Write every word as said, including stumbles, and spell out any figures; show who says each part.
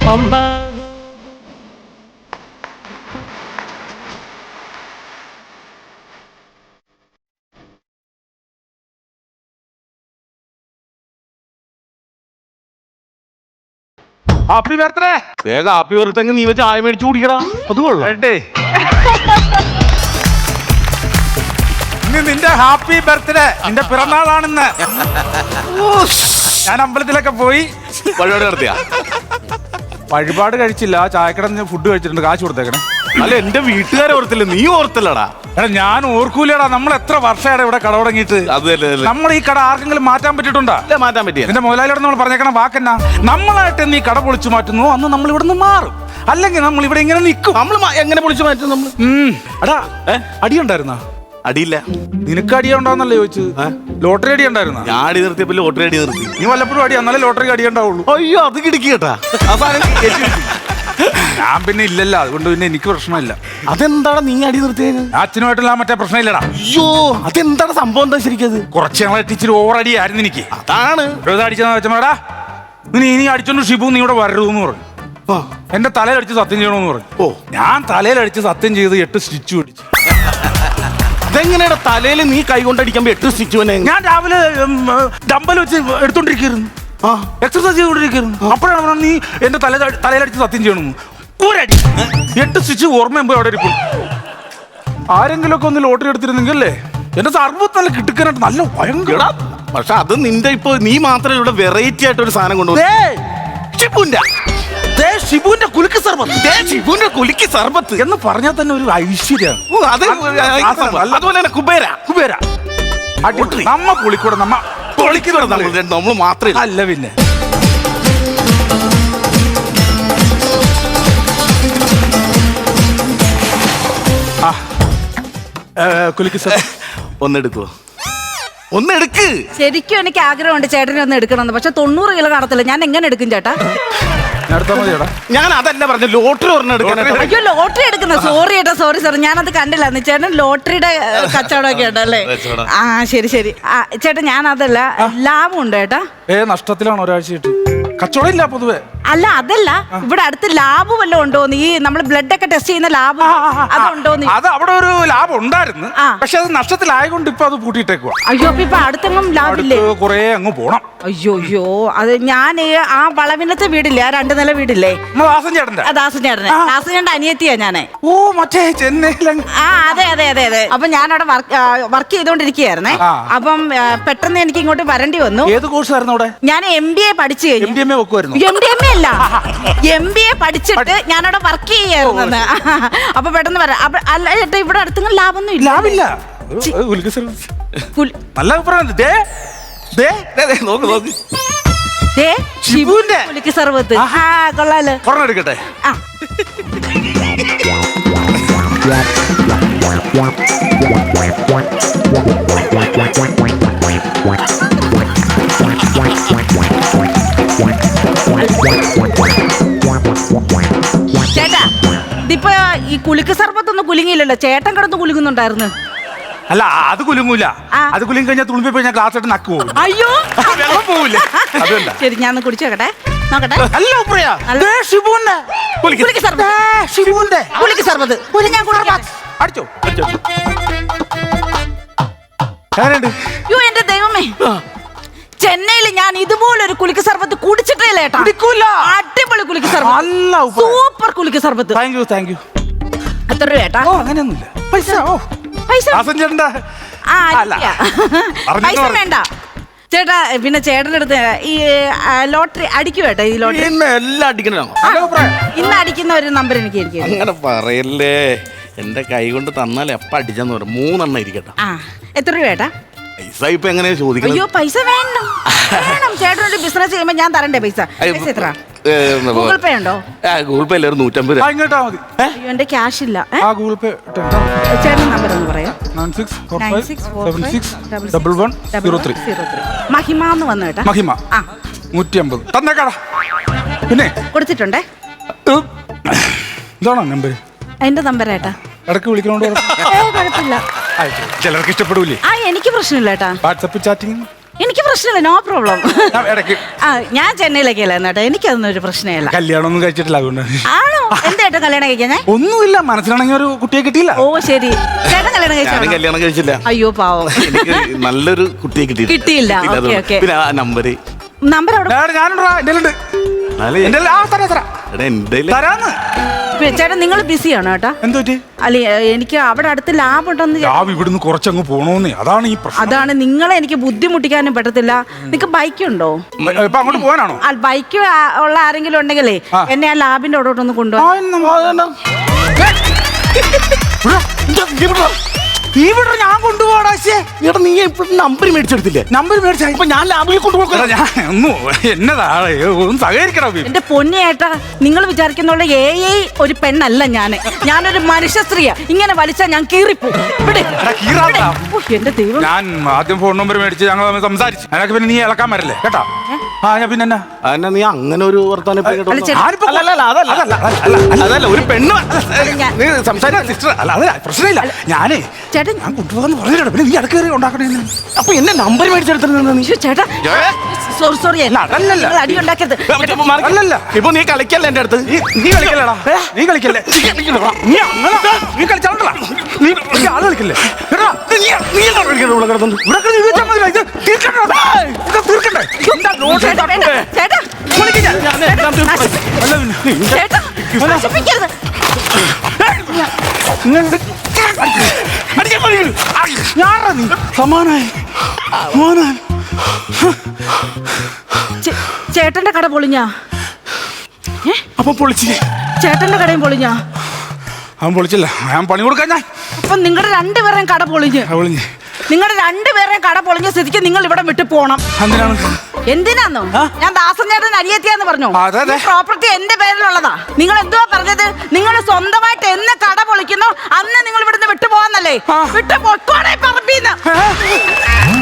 Speaker 1: Happy birthday.
Speaker 2: വേഗം happy birthday നീ വെച്ച് ആയ മേടിച്ചു കുടിക്കടാ. അത് കൊള്ളാം.
Speaker 1: ഇന്ന് നിന്റെ ഹാപ്പി ബർത്ത്ഡേ, നിന്റെ പിറന്നാളാണെന്ന്. ഞാൻ അമ്പലത്തിലൊക്കെ പോയി
Speaker 2: വഴിപാട് നടത്തിയ
Speaker 1: വഴിപാട് കഴിച്ചില്ല, ചായക്കട ഫുഡ് കഴിച്ചിട്ടുണ്ട്, കാശ് കൊടുത്തേക്കണേ.
Speaker 2: അല്ല എന്റെ വീട്ടുകാരെ ഓർത്തില്ല, നീ ഓർത്തില്ലടാ.
Speaker 1: എടാ ഞാൻ ഓർക്കൂലടാ, നമ്മൾ എത്ര വർഷമാണ് ഇവിടെ കട തുടങ്ങിയിട്ട്. നമ്മൾ ഈ കട ആർക്കെങ്കിലും മാറ്റാൻ പറ്റിയിട്ടുണ്ടോ?
Speaker 2: മാറ്റാൻ പറ്റിയ
Speaker 1: എന്റെ മുതലാളിയോട് നമ്മൾ പറഞ്ഞേക്കണ വാക്കെന്നാ, നമ്മളായിട്ട് നീ കട പൊളിച്ചു മാറ്റുന്നു അന്ന് നമ്മൾ ഇവിടെ നിന്ന് മാറും, അല്ലെങ്കിൽ നമ്മൾ ഇവിടെ ഇങ്ങനെ നിൽക്കും.
Speaker 2: നമ്മൾ എങ്ങനെ പൊളിച്ചു മാറ്റും നമ്മൾ?
Speaker 1: എടാ അടിയുണ്ടായിരുന്ന?
Speaker 2: അടിയില്ല.
Speaker 1: നിനക്ക് അടിയുണ്ടാവുന്നല്ലേ ചോദിച്ചത്? ലോട്ടറി അടി ഉണ്ടായിരുന്ന?
Speaker 2: ഞാൻ അടി നിർത്തിയപ്പോ ലോട്ടറി അടി നിർത്തി.
Speaker 1: നീ വല്ലപ്പോഴും അടി എന്നാലേ ലോട്ടറി അടി ഉണ്ടാവുള്ളൂ.
Speaker 2: അയ്യോ അത് കിടക്കി കേട്ടാ.
Speaker 1: ഞാൻ പിന്നെ ഇല്ലല്ലോ, അതുകൊണ്ട് പിന്നെ എനിക്ക് പ്രശ്നമില്ല.
Speaker 2: അതെന്താണ് നീ അടി നിർത്തിയത്?
Speaker 1: അച്ഛനുമായിട്ടുള്ള മറ്റേ പ്രശ്നമില്ലടാ.
Speaker 2: അയ്യോ അതെന്താണ് സംഭവം? എന്താ ശരിക്കത്?
Speaker 1: കുറച്ച് ഞങ്ങളെ ടീച്ചർ ഓവർ അടിയായിരുന്നു എനിക്ക്.
Speaker 2: അതാണ്
Speaker 1: അടിച്ചെന്ന് വെച്ചാ നീ ഇനി അടിച്ചോണ്ട് ഷിബു നീ ഇവിടെ വരരുതെന്ന് പറഞ്ഞു. എന്റെ തലയിലടിച്ച് സത്യം ചെയ്യണമെന്ന് പറഞ്ഞു. ഓ ഞാൻ തലയിലടിച്ച് സത്യം ചെയ്ത് എട്ട് സ്റ്റിച്ച് പിടിച്ചു.
Speaker 2: അതെങ്ങനെയാ തലയിൽ നീ കൈ കൊണ്ടടിക്കുമ്പോ എട്ട് സ്റ്റിച്ച്?
Speaker 1: ഞാൻ രാവിലെ ഡമ്പൽ വെച്ച് എടുത്തോണ്ടിരിക്കുന്നു, എക്സർസൈസ് ചെയ്തോണ്ടിരിക്കുന്നു. അപ്പോഴാണ് പറഞ്ഞത് നീ എന്റെ തല തലയിലടിച്ച് സത്യം ചെയ്യണമെന്ന്. ഒരടി എട്ട് സ്റ്റിച്ച് ഓർമ്മയുമ്പോ അവിടെ ഇരിക്കും. ആരെങ്കിലും ഒക്കെ ഒന്ന് ലോട്ടറി എടുത്തിരുന്നെങ്കിൽ അല്ലേ എന്റെ സർവത്ത് നല്ല കിട്ടുക്കാനായിട്ട് നല്ല ഭയങ്കര.
Speaker 2: പക്ഷെ അത് നിന്റെ ഇപ്പൊ നീ മാത്രമേ ഇവിടെ വെറൈറ്റി ആയിട്ട് ഒരു സാധനം കൊണ്ടുപോകും.
Speaker 1: ഷിബുവിന്റെ കുലുക്ക് സർബത്ത്,
Speaker 2: ഷിബുവിന്റെ കുലുക്കി സർബത്ത്
Speaker 1: എന്ന് പറഞ്ഞാൽ തന്നെ ഒരു ഐശ്വര്യാണ്.
Speaker 2: അതുപോലെ തന്നെ കുബേര
Speaker 1: കുബേര നമ്മ പൊളിക്കൂടെ, നമ്മ
Speaker 2: പൊളിക്കുന്ന നമ്മൾ മാത്രമേ
Speaker 1: അല്ല പിന്നെ. കുലുക്ക് സർ
Speaker 2: ഒന്നെടുക്കുവോ? ഒന്നെടുക്ക്.
Speaker 3: ശരിക്കും എനിക്ക് ആഗ്രഹമുണ്ട് ചേട്ടനെ ഒന്ന് എടുക്കണമെന്ന്, പക്ഷെ തൊണ്ണൂറ് കിലോ കാണത്തില്ല. ഞാൻ എങ്ങനെ എടുക്കും ചേട്ടാ?
Speaker 2: ഞാൻ അതല്ല പറഞ്ഞു, ലോട്ടറി ഒരെണ്ണം എടുക്കാൻ.
Speaker 3: അയ്യോ ലോട്ടറി എടുക്കുന്ന, സോറി ചേട്ടാ, സോറി സാർ, ഞാനത് കണ്ടില്ല. ചേട്ടൻ ലോട്ടറിയുടെ കച്ചവടമൊക്കെ ഉണ്ടല്ലേ? ആ ശരി ശരി. ആ ചേട്ടാ ഞാൻ അതല്ല, ലാഭമുണ്ട് ചേട്ടാ.
Speaker 1: ഏ നഷ്ടത്തിലാണ് ഒരാഴ്ചയായിട്ട്, കച്ചവടം ഇല്ല പൊതുവെ.
Speaker 3: അല്ല അതല്ല, ഇവിടെ അടുത്ത് ലാബ് വല്ലതും ഉണ്ടോന്ന്, ഈ നമ്മൾ ബ്ലഡ് ഒക്കെ ടെസ്റ്റ് ചെയ്യുന്ന ലാബ് അതുണ്ടോന്ന്.
Speaker 1: അത് അവിടെ ഒരു ലാബ് ഉണ്ടായിരുന്നു, പക്ഷെ അത് നഷ്ടത്തിലായതുകൊണ്ട് ഇപ്പൊ അത് പൂട്ടിയിട്ടേക്കുവാ.
Speaker 3: അയ്യോ അപ്പൊ ഇപ്പൊ അടുത്തെങ്ങും ലാബില്ലേ?
Speaker 1: കൊറേ അങ്ങ് പോണം.
Speaker 3: അയ്യോ അയ്യോ അത് ഞാൻ ആ വളവിനത്തെ വീടില്ലേ, ആ രണ്ടു നില വീടില്ലേ,
Speaker 1: ദാസൻ ചേട്ടന്റെ?
Speaker 3: ദാസൻ ചേട്ടനെ, ദാസൻ ചേട്ടൻ അനിയത്തിയാ ഞാനേ.
Speaker 1: ഓ മറ്റേ ചെന്നൈയിലെ?
Speaker 3: ആ അതെ അതെ അതെ അതെ. അപ്പൊ ഞാൻ അവിടെ വർക്ക് ചെയ്തോണ്ടിരിക്കുകയായിരുന്നേ. അപ്പം പെട്ടെന്ന് എനിക്ക് ഇങ്ങോട്ട് വരേണ്ടി വന്നു.
Speaker 1: ഏത് കോഴ്സ് ആയിരുന്നു അവിടെ?
Speaker 3: ഞാൻ എം ബി എ പഠിച്ചു കഴിഞ്ഞു.
Speaker 1: എം ഡി എം എ വെക്കുമായിരുന്നു?
Speaker 3: എം ഡി എം എ അല്ല, എം ബി എ പഠിച്ചിട്ട് ഞാനവിടെ വർക്ക് ചെയ്യായിരുന്നു. അപ്പൊ പെട്ടെന്ന് വരാം. അല്ല ചേട്ടാ ഇവിടെ അടുത്തെങ്കിലും ലാഭമൊന്നും ഇല്ല.
Speaker 1: ലാഭില്ല. നല്ല അഭിപ്രായം.
Speaker 3: ഷിബുവിന്റെ കുലുക്ക് സർബത്ത് കൊള്ളാലോ.
Speaker 1: ഒരെണ്ണം എടുക്കട്ടെ?
Speaker 3: ആ ചേട്ടാ ഇതിപ്പോ ഈ കുലുക്ക് സർബത്തൊന്നും കുലുങ്ങിയില്ലല്ലോ, ചേട്ടൻ കിടന്ന് കുലുങ്ങുന്നുണ്ടായിരുന്നു.
Speaker 1: അല്ല അത് കുലുങ്ങൂല, അത് കുലുങ്ങി കഴിഞ്ഞാൽ തുളുമ്പി പോയി ഞാൻ ക്ലാസ് ആയിട്ട് നക്ക് പോകും.
Speaker 3: അയ്യോ
Speaker 1: വെള്ളം പോവില്ല.
Speaker 3: ശരി ഞാൻ ഒന്ന് കുടിച്ചു നോക്കട്ടെ, നോക്കട്ടെ.
Speaker 1: അടിച്ചോ
Speaker 3: അയ്യോ എന്റെ ദൈവമേ, ചെന്നൈയിൽ ഞാൻ ഇതുപോലൊരു കുലുക്ക് സർബത്ത് കുടിച്ചിട്ടില്ല ഏട്ടാ. അടിപൊളി കുലുക്ക് സർബത്ത്, സൂപ്പർ കുലുക്ക് സർബത്ത്.
Speaker 1: Thank you thank you.
Speaker 3: എത്ര രൂപ ഏട്ടാ?
Speaker 1: അങ്ങനെയൊന്നുമില്ല, പൈസ
Speaker 3: പൈസ
Speaker 1: പൈസ
Speaker 3: പൈസ വേണ്ട ചേട്ടാ. പിന്നെ ചേട്ടൻ്റെ അടുത്ത് ഈ ലോട്ടറി അടിക്കും ഏട്ടാ, ഈ ലോട്ടറി
Speaker 2: എല്ലാം അടിക്കണോ?
Speaker 3: ഇന്ന് അടിക്കുന്ന ഒരു നമ്പർ എനിക്ക് ഇരിക്കും.
Speaker 2: അങ്ങനെ പറയല്ലേ, എന്റെ കൈ കൊണ്ട് തന്നാൽ എപ്പ അടിച്ചെന്ന് പറയും. മൂന്നെണ്ണം ഇരിക്കട്ടെ.
Speaker 3: ആ എത്ര രൂപ ഏട്ടാ?
Speaker 2: പൈസ ഇപ്പൊ എങ്ങനെയാ ചോദിക്കുന്നത്?
Speaker 3: അയ്യോ പൈസ വേണം വേണം, ചേട്ടനൊരു ബിസിനസ് ചെയ്യുമ്പോ ഞാൻ തരണ്ടേ പൈസ? പൈസ എത്ര? ഗൂഗിൾ പേ ഉണ്ടോ?
Speaker 2: ഗൂഗിൾ പേ അല്ലേ നൂറ്റമ്പത് രൂപ.
Speaker 1: ഇങ്ങോട്ടാ മതി.
Speaker 3: അയ്യോ എന്റെ ക്യാഷ് ഇല്ല.
Speaker 1: ഗൂഗിൾ പേ
Speaker 3: ചേട്ടൻ നമ്പർ ഒന്ന് പറയാം. മഹിമ എന്ന് വന്നു കേട്ടാ.
Speaker 1: മഹിമ നൂറ്റി അമ്പത് തന്നേക്കാടാ. പിന്നെ
Speaker 3: കൊടുത്തിട്ടുണ്ടേ.
Speaker 1: ഇതാണോ നമ്പർ?
Speaker 3: എന്റെ നമ്പർ ഏട്ടാ.
Speaker 1: ഇടയ്ക്ക് വിളിക്കണോണ്ട്
Speaker 3: കുഴപ്പമില്ല,
Speaker 1: ചിലർക്ക് ഇഷ്ടപ്പെടൂലേ?
Speaker 3: ആ എനിക്ക് പ്രശ്നമില്ല ഏട്ടാ.
Speaker 1: വാട്സപ്പ് ചാറ്റിംഗ്
Speaker 3: എനിക്ക് പ്രശ്നമില്ല, നോ പ്രോബ്ലം.
Speaker 1: ഞാൻ ഇടയ്ക്ക്
Speaker 3: ആ ഞാൻ ചെന്നൈയിലേക്കല്ല കേട്ടോ, എനിക്കതൊന്നും ഒരു പ്രശ്നമില്ല.
Speaker 1: കല്യാണം ഒന്നും കഴിച്ചിട്ടില്ല അതുകൊണ്ട്.
Speaker 3: ആണോ? എന്തായിട്ടും കല്യാണം കഴിക്കാൻ?
Speaker 1: ഒന്നുമില്ല, മനസ്സിലാണെങ്കിൽ ഒരു കുട്ടിയെ കിട്ടിയില്ല.
Speaker 3: ഓ ശരി. ചേട്ടൻ കല്യാണം
Speaker 2: ഞാനും
Speaker 3: കഴിച്ചോ?
Speaker 2: കല്യാണം കഴിച്ചില്ല.
Speaker 3: അയ്യോ പാവം.
Speaker 2: എനിക്ക് നല്ലൊരു കുട്ടിയെ കിട്ടിയില്ല.
Speaker 3: കിട്ടിയില്ല. Okay, okay.
Speaker 2: പിന്നെ ആ നമ്പര്
Speaker 3: നമ്പർ അവിടെ
Speaker 1: ഞാനുണ്ടാ എന്റെ ഉണ്ട്. എന്റെ ആ തരാ തരാ
Speaker 2: എന്റെ
Speaker 1: തരാന്ന്.
Speaker 3: ചേട്ടൻ നിങ്ങൾ ബിസിയാണോ ചേട്ടാ?
Speaker 1: എന്ത് പറ്റി?
Speaker 3: അല്ലെ എനിക്ക് അവിടെ അടുത്ത് ലാബ് ഉണ്ടെന്ന്.
Speaker 1: ലാബ് ഇവിടുന്ന് കുറച്ചങ്ങ് പോണോന്നേ, അതാണ് ഈ പ്രശ്നം.
Speaker 3: അതാണ് നിങ്ങളെ എനിക്ക് ബുദ്ധിമുട്ടിക്കാനും പറ്റത്തില്ല. നിങ്ങക്ക് ബൈക്ക് ഉണ്ടോ?
Speaker 1: ഇപ്പൊ അങ്ങോട്ട് പോകാനാണോ?
Speaker 3: ബൈക്ക് ഉള്ള ആരെങ്കിലും ഉണ്ടെങ്കിലേ എന്നെ ആ ലാബിന്റെ അവിടോട്ടൊന്ന് കൊണ്ടുപോകാം.
Speaker 1: ഇവിടെ ഞാൻ കൊണ്ടുപോടാ.
Speaker 2: എടാ നീ ഇപ്പോഴും നമ്പർ മേടിച്ചെടുത്തില്ലേ?
Speaker 1: നമ്പർ മേടിച്ച
Speaker 2: ഇപ്പൊ ഞാൻ ലാബിൽ കൊണ്ടുപോകാം.
Speaker 1: ഞാൻ ഒന്നും എന്നതാണ് ഒന്ന് സഹകരിക്കണം.
Speaker 3: എന്റെ പൊന്നിയേട്ടാ, നിങ്ങൾ വിചാരിക്കുന്ന എ ഐ ഒരു പെണ്ണല്ല ഞാന്. ഞാനൊരു മനുഷ്യ സ്ത്രീയാ. ഇങ്ങനെ വലിച്ചാൽ ഞാൻ കീറിപ്പോ. എന്റെ ദൈവം.
Speaker 1: ഞാൻ ആദ്യം ഫോൺ നമ്പർ മേടിച്ച് ഞങ്ങൾ തമ്മിൽ സംസാരിച്ചു. അതിനൊക്കെ പിന്നെ നീ ഇളക്കാൻ വരല്ലേ കേട്ടാ? ആ ഞാൻ പിന്നെ
Speaker 2: എന്നാ നീ അങ്ങനെ ഒരു വർത്താനം ഇപ്പൊ ഇങ്ങോട്ട്
Speaker 3: അല്ല, ചേട്ടാ.
Speaker 2: വന്നോ? അല്ല, അല്ല, അതല്ല, അതല്ല, അതല്ല, അതല്ല, ഒരു പെണ്ണ് നീ സംസാരിക്കാൻ സിസ്റ്റർ അല്ല, അതല്ല പ്രശ്നമില്ല. ഞാനേ
Speaker 3: ചേട്ടൻ
Speaker 1: ഞാൻ കൊണ്ടുപോകാന്ന് പറഞ്ഞിട്ട് പിന്നെ നീ ഇടക്കേറി ഉണ്ടാക്കണേ.
Speaker 2: അപ്പൊ എന്നെ നമ്പർ മേടിച്ചെടുത്തിരുന്ന നീ?
Speaker 3: ശ്ശോ, ചേട്ടാ സോറി സോറി
Speaker 1: അതല്ലല്ല.
Speaker 3: അടി ഉണ്ടാക്കരുത്.
Speaker 1: അല്ലല്ല,
Speaker 2: ഇപ്പൊ നീ കളിക്കല്ലേ എന്റെ അടുത്ത്?
Speaker 1: നീ നീ കളിക്കല്ലേടാ, നീ കളിക്കല്ലേ, നീ അങ്ങനെ നീ കളിച്ചാണ്ടല്ല, നീ നീ ആള് കളിക്കല്ലേ. എടാ,
Speaker 2: നീ നീ എന്താ കളിക്കുന്നത് ഇവിടെ കിടന്നു?
Speaker 1: ഇവിടെ കിടന്ന് ഇത് വെച്ചാൽ മതി. ഇത് തീർക്കണ്ടേ, ഇത് തീർക്കണ്ടേ. എന്താ നോട്ട്
Speaker 3: ചേട്ടാ, വേണ്ട. ചേട്ടാ
Speaker 1: വിളിക്ക് ഞാൻ.
Speaker 2: ഞാൻ എല്ലാം തീർക്കും.
Speaker 3: നശി-
Speaker 1: അല്ല പിന്നെ
Speaker 3: ചേട്ടാ നശിപ്പിക്കരുത്.
Speaker 1: ഞാനാ നീ
Speaker 2: സമാനായി മോനാൻ
Speaker 3: ചേ- ചേട്ടന്റെ കട പൊളിഞ്ഞാ? ഏ?
Speaker 2: അപ്പൊ പൊളിച്ച്
Speaker 3: ചേട്ടന്റെ കടയും പൊളിഞ്ഞാ?
Speaker 1: അവൻ പൊളിച്ചില്ല, ഞാൻ പണി കൊടുക്കാൻ. ഞാൻ
Speaker 3: അപ്പൊ നിങ്ങളുടെ രണ്ടുപേരെയും കട പൊളിഞ്ഞ്
Speaker 1: പൊളിഞ്ഞ്
Speaker 3: നിങ്ങളുടെ രണ്ടുപേരെയും കട പൊളിഞ്ഞ സ്ഥിതിക്ക് നിങ്ങൾ ഇവിടെ വിട്ടു പോണം.
Speaker 1: എന്തിനാണ്?
Speaker 3: എന്തിനാന്നോ? ഞാൻ ദാസൻ ചേട്ടൻ അരിയെത്തിയാന്ന് പറഞ്ഞു.
Speaker 1: അതെ, അതെ.
Speaker 3: പ്രോപ്പർട്ടി എന്റെ പേരിലുള്ളതാ. നിങ്ങൾ എന്തുവാ പറഞ്ഞത്? നിങ്ങൾ സ്വന്തമായിട്ട് എന്ന് കട പൊളിക്കുന്നോ അന്ന് നിങ്ങൾ ഇവിടുന്ന് വിട്ടു പോവാന്നല്ലേ? വിട്ടു പൊക്കോടെ പറമ്പീന്ന്.